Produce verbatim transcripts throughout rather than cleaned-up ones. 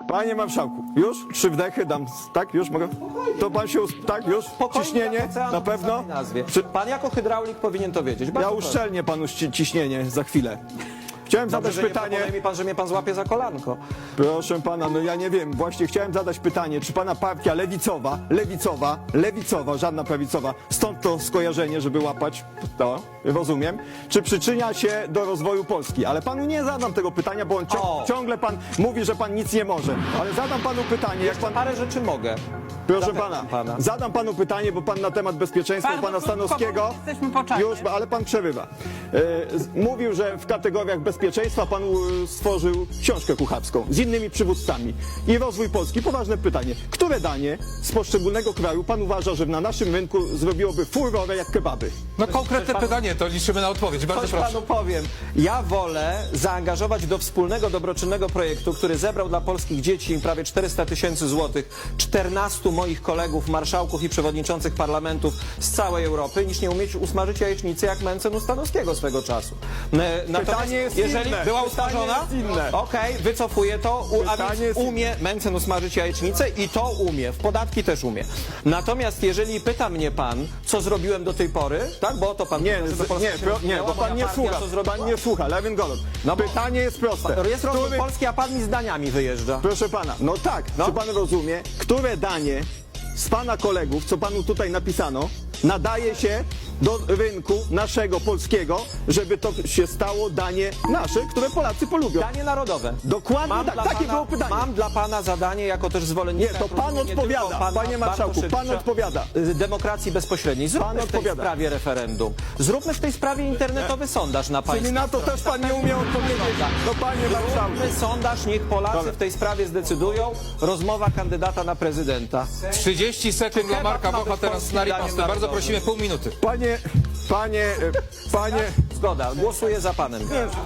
Panie marszałku, już? Trzy wdechy dam, tak? Już mogę? To pan się, us- tak? Już? Spokojnie, Ciśnienie? ocean Na w pewno? samej nazwie. Czy- Pan jako hydraulik powinien to wiedzieć. Ja Bardzo proszę. uszczelnię panu ści- ciśnienie za chwilę. Chciałem Dobrze, zadać że nie pytanie. proponuje mi pan, że mnie pan złapie za kolanko. Proszę pana, no ja nie wiem, właśnie chciałem zadać pytanie, czy pana partia lewicowa, lewicowa, lewicowa, żadna prawicowa, stąd to skojarzenie, żeby łapać, to rozumiem, czy przyczynia się do rozwoju Polski? Ale panu nie zadam tego pytania, bo on cią O. ciągle pan mówi, że pan nic nie może. Ale zadam panu pytanie, jak pan... Parę rzeczy mogę. Proszę Zapewniam pana, pana. zadam panu pytanie, bo pan na temat bezpieczeństwa u Bardzo pana krótko, Stanowskiego bo jesteśmy po czasie. już, ale pan przerywa. E, z- mówił, że w kategoriach bezpieczeństwa pan e, stworzył książkę kucharską z innymi przywódcami i rozwój Polski. Poważne pytanie, które danie z poszczególnego kraju pan uważa, że na naszym rynku zrobiłoby furorę jak kebaby? No konkretne panu- pytanie, to liczymy na odpowiedź. Bardzo Coś proszę. panu powiem. Ja wolę zaangażować do wspólnego, dobroczynnego projektu, który zebrał dla polskich dzieci prawie czterysta tysięcy złotych, czternastu moich kolegów, marszałków i przewodniczących parlamentów z całej Europy, niż nie umieć usmażyć jajecznicy jak Mencen Stanowskiego swego czasu. E, Natomiast jest jeżeli inne. była Pytanie usmażona, jest inne. okej, wycofuję to, u, a Pytanie więc jest umie Mencen usmażyć jajecznicę i to umie, w podatki też umie. Natomiast jeżeli pyta mnie pan, co zrobiłem do tej pory, tak, bo o to pan Nie, pyta, żeby z- Polska nie, się pro, nie, rozwinęła, bo pan moja nie partia słucha, co zrobiła? pan nie słucha, Lewin Golod. No bo- Pytanie jest proste. Jest rozwój Który- Polski, a pan mi zdaniami wyjeżdża. Proszę pana, no tak, No. czy pan rozumie, które danie z pana kolegów, co panu tutaj napisano, nadaje się do rynku naszego polskiego, żeby to się stało danie nasze, które Polacy polubią? Danie narodowe. Dokładnie Mam tak, dla takie pana, było pytanie. Mam dla pana zadanie jako też zwolennika. Nie, to jak pan rozumiem, nie odpowiada, tylko pana panie marszałku, pan Bartoszewicza, odpowiada. y, Demokracji bezpośredniej. Zróbmy Pan w tej odpowiada. sprawie referendum. Zróbmy w tej sprawie internetowy sondaż na państwa. Czyli na to też pan nie umie odpowiedzieć. No panie marszałku. Zróbmy sondaż, niech Polacy Dobra. w tej sprawie zdecydują. Rozmowa kandydata na prezydenta. trzydzieści sekund dla kebab Marka ma być Bocha teraz polskim na daniem ripostę. Bardzo narodowym? prosimy, pół minuty. Panie, panie, e, panie, Zgoda, głosuję za panem.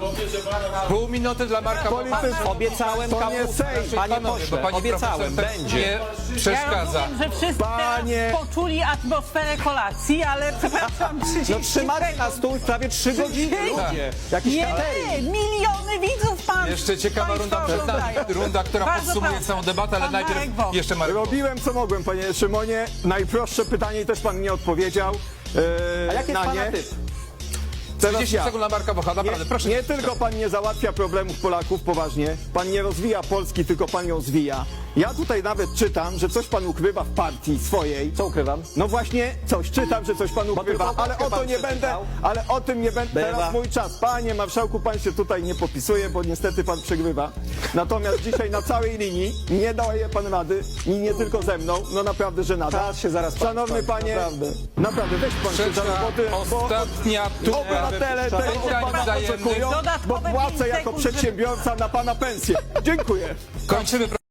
Pół minuty dla Marka Bocha. politycy, Obiecałem To nie kapu... Sejm. Panie Panowie, pośle, bo pani obiecałem, profesor tak będzie. nie Ja przeszkadza. rozumiem, że wszyscy Panie- teraz poczuli atmosferę kolacji, ale przepraszam, trzydzieści No trzymacie na stół prawie trzy godziny, ludzie. Jakiś Nie, catering. miliony widzów pan. Jeszcze ciekawa państwo runda przed nami. oglądają. Runda, która Bardzo podsumuje proszę. całą debatę, ale Pan Marek najpierw Boch. jeszcze Marek Boch. robiłem co mogłem, panie Szymonie. Najprostsze pytanie i też pan nie odpowiedział. E, A jaki jest na pana nie. typ? Teraz trzydzieści ja. sekund dla Marka Bocha, naprawdę, Nie, proszę. nie tylko pan nie załatwia problemów Polaków poważnie, pan nie rozwija Polski, tylko pan ją zwija. Ja tutaj nawet czytam, że coś pan ukrywa w partii swojej. Co ukrywam? No właśnie, coś czytam, że coś pan ukrywa, tylko ale o to pan nie przeczytał. będę, ale o tym nie będę. Bywa. Teraz mój czas. Panie marszałku, pan się tutaj nie popisuje, bo niestety pan przegrywa. Natomiast dzisiaj na całej linii nie daje pan rady i nie tylko ze mną, no naprawdę żenada. Czas się zaraz pan Szanowny skończy, panie, naprawdę. naprawdę weź pan się za Trzecia, roboty, bo ostatnia tura. obywatele tego od Pytań pana wzajemnych. oczekują, bo Dodatkowe płacę pięć jako sekund, żeby- przedsiębiorca na pana pensję. Dziękuję. Kończymy.